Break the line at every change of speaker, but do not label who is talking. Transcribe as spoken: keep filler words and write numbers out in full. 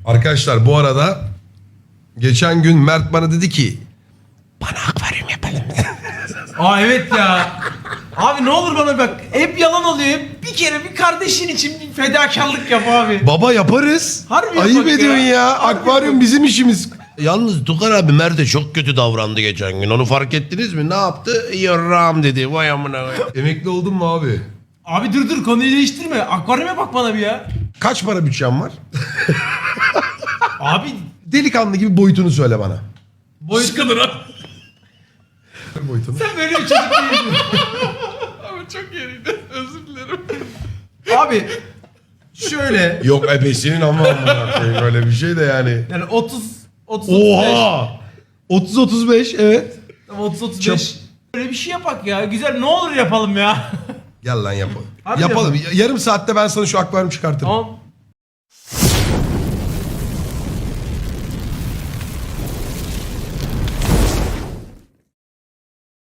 Arkadaşlar bu arada geçen gün Mert bana dedi ki bana akvaryum yapalım.
Aa evet ya. Abi ne olur bana bak. Hep yalan oluyor. Hep bir kere bir kardeşin için bir fedakarlık yap abi.
Baba yaparız.
Harbi
Ayıp
yapak
ediyorsun ya.
ya. Harbi
Akvaryum
yapak.
bizim işimiz. Yalnız Tukar abi Mert'e çok kötü davrandı geçen gün. Onu fark ettiniz mi? Ne yaptı? Yarram dedi. Vay amına. Emekli oldun mu abi?
Abi dur dur konuyu değiştirme. Akvaryuma bak bana bir ya.
Kaç para bütçen var?
Abi
Delikanlı gibi boyutunu söyle bana.
boyut kadar abi.
Boyutunu.
Sen böyle bir çocuk değilsin.
Ama çok yeriydi. Özür dilerim.
Abi şöyle.
Yok ebesinin ama amına koyayım öyle bir şey de yani.
Yani otuz otuz otuz beş.
Oha! otuz otuz beş evet.
Tamam otuz otuz
Çap-
beş. Böyle bir şey yapak ya. Güzel ne olur yapalım ya.
Gel lan yapalım.
Hadi
yapalım. Yarım saatte ben sana şu akvaryum çıkartırım.
Tamam.